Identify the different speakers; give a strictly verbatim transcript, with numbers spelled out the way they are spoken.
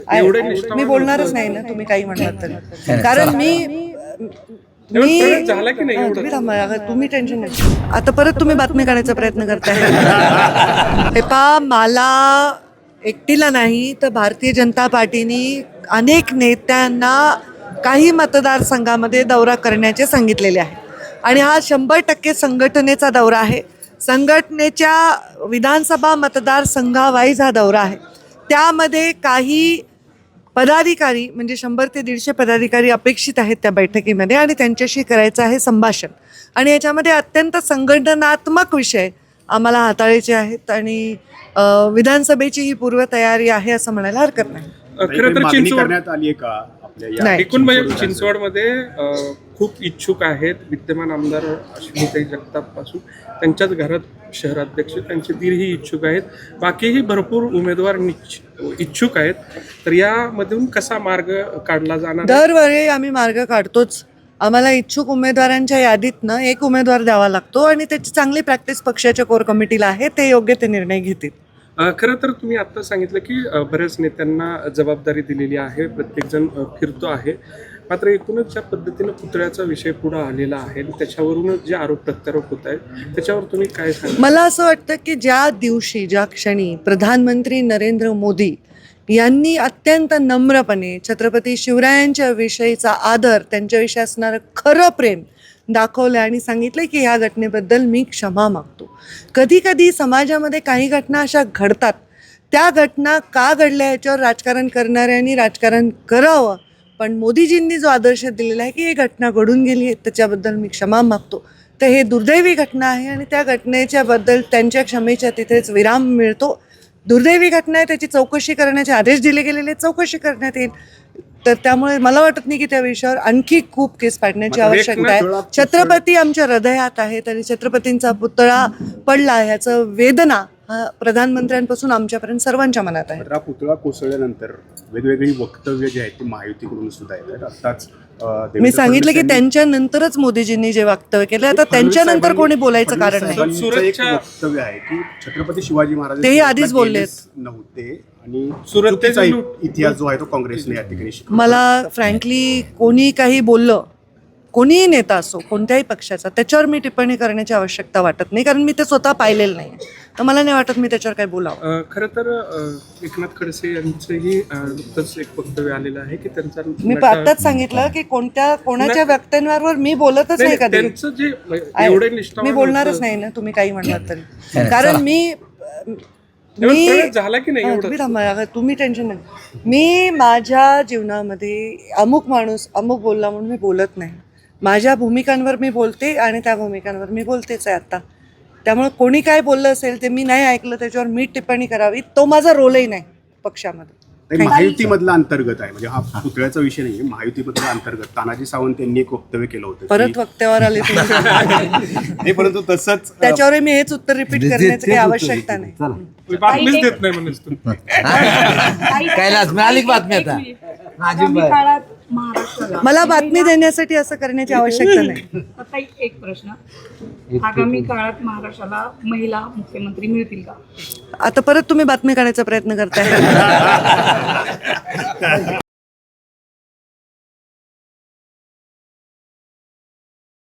Speaker 1: मी बोलणारच नाही ना, तुम्ही काही म्हणलात तरी, कारण मी मी तुम्ही थांबा, तुम्ही टेन्शन नाही. आता परत तुम्ही बातमी काढायचा प्रयत्न करताय. हे पा मला एकटीला नाही तर भारतीय जनता पार्टीने अनेक नेत्यांना काही मतदारसंघामध्ये दौरा करण्याचे सांगितलेले आहे आणि हा शंभर टक्के संघटनेचा दौरा आहे. संघटनेच्या विधानसभा मतदारसंघावाईज हा दौरा आहे. त्यामध्ये काही पदाधिकारी म्हणजे शंभर ते दीडशे पदाधिकारी अपेक्षित आहेत त्या बैठकीमध्ये आणि त्यांच्याशी करायचं आहे संभाषण आणि याच्यामध्ये अत्यंत संघटनात्मक विषय आम्हाला हाताळायचे आहेत आणि विधानसभेची ही पूर्वतयारी आहे असं म्हणायला हरकत नाही.
Speaker 2: खरं तर चिंचवड करण्यात आली आहे का आपल्या एकूण म्हणजे चिंचवडमध्ये खूप इच्छुक आहेत. विद्यमान आमदार अश्विनीताई जगताप पासून त्यांच्याच घरात शहराध्यक्ष त्यांचे दीरही इच्छुक आहेत. बाकीही भरपूर उमेदवार इच्छुक आहेत. तर यामधून कसा मार्ग काढला जाणार?
Speaker 1: दरवेळी आम्ही मार्ग काढतोच. आम्हाला इच्छुक उमेदवारांच्या यादीतनं एक उमेदवार द्यावा लागतो आणि त्याची चांगली प्रॅक्टिस पक्षाच्या कोर कमिटीला आहे. ते योग्य ते निर्णय घेतील.
Speaker 2: खरं तर तुम्ही आत्ता सांगितलं की बऱ्याच नेत्यांना जबाबदारी दिलेली आहे, प्रत्येकजण फिरतो आहे. मात्र एकूणच ज्या पद्धतीनं पुतळ्याचा विषय पुढे आलेला आहे त्याच्यावरूनच जे आरोप प्रत्यारोप होत आहेत त्याच्यावर तुम्ही काय सांगा?
Speaker 1: मला असं वाटतं की ज्या दिवशी ज्या क्षणी प्रधानमंत्री नरेंद्र मोदी यांनी अत्यंत नम्रपणे छत्रपती शिवरायांच्या विषयीचा आदर, त्यांच्याविषयी असणारं खरं प्रेम दाखवलं आणि सांगितलं की ह्या घटनेबद्दल मी क्षमा मागतो. कधी कधी समाजामध्ये काही घटना अशा घडतात, त्या घटना का घडल्या याच्यावर राजकारण करणाऱ्यांनी राजकारण करावं, पण मोदीजींनी जो आदर्श दिलेला आहे की ही घटना घडून गेली आहे त्याच्याबद्दल मी क्षमा मागतो. तर हे दुर्दैवी घटना आहे आणि त्या घटनेच्या बद्दल त्यांच्या क्षमेच्या तिथेच विराम मिळतो. दुर्दैवी घटना आहे, त्याची चौकशी करण्याचे आदेश दिले गेलेले, चौकशी करण्यात येईल. तर त्यामुळे मला वाटत नाही की त्या विषयावर आणखी खूप केस पाडण्याची आवश्यकता आहे. छत्रपती आमच्या हृदयात आहेत आणि छत्रपतींचा पुतळा पडला ह्याचं वेदना हा प्रधानमंत्र्यांपासून आमच्यापर्यंत सर्वांच्या मनात आहे.
Speaker 3: पुतळा कोसळल्यानंतर वेगवेगळी वक्तव्य जे आहेत ती महायुतीकडून सुद्धा येतात. आत्ताच
Speaker 1: मी सांगितलं की त्यांच्यानंतरच मोदीजींनी जे वक्तव्य केलं, आता त्यांच्यानंतर कोणी बोलायचं कारण नाही.
Speaker 3: वक्तव्य आहे की छत्रपती शिवाजी महाराज
Speaker 1: तेही आधीच बोलले
Speaker 3: नव्हते आणि सुरतेचा इतिहास जो आहे तो काँग्रेसने या ठिकाणी.
Speaker 1: मला फ्रँकली कोणी काही बोललं, कोणीही नेता असो कोणत्याही पक्षाचा, त्याच्यावर मी टिप्पणी करण्याची आवश्यकता वाटत नाही, कारण मी ते स्वतः पाहिलेलं नाही. तर मला नाही वाटत मी त्याच्यावर काही बोलावं.
Speaker 2: खरं तर एकनाथ खडसे यांचंही नुकतंच एक वक्तव्य आलेलं आहे की त्यांचा,
Speaker 1: मी आत्ताच सांगितलं की कोणत्या कोणाच्या वक्तव्यांवर मी बोलतच नाही कधी. मी बोलणारच नाही ना, तुम्ही काही म्हणलात तरी, कारण मी मी
Speaker 2: झाला की नाही
Speaker 1: तुम्ही थांबा, तुम्ही टेन्शन नाही. मी माझ्या जीवनामध्ये अमुक माणूस अमुक बोलला म्हणून मी बोलत नाही. माझ्या भूमिकांवर मी बोलते आणि त्या भूमिकांवर मी बोलतेच आहे आता. त्यामुळे कोणी काय बोललं असेल ते मी नाही ऐकलं, त्याच्यावर मी टिप्पणी करावी, तो माझा रोलही नाही पक्षामध्ये.
Speaker 3: महायुतीमधला अंतर्गत आहे, म्हणजे हा पुतळ्याचा विषय नाही, महायुतीमधला अंतर्गत तानाजी सावंत यांनी एक वक्तव्य केलं होतं.
Speaker 1: परत वक्त्यावर आले
Speaker 3: नाही, परंतु तसंच
Speaker 1: त्याच्यावर मी हेच उत्तर रिपीट करण्याची काही आवश्यकता नाही.
Speaker 2: बातमीच देत नाही म्हणून
Speaker 4: मिळाली बातमी आता.
Speaker 1: मला बातमी देण्यासाठी असं करण्याची आवश्यकता नाही.
Speaker 5: आता एक प्रश्न, आगामी काळात महाराष्ट्राला महिला मुख्यमंत्री मिळतील का?
Speaker 1: आता परत तुम्ही बातमी काढायचा प्रयत्न करताय.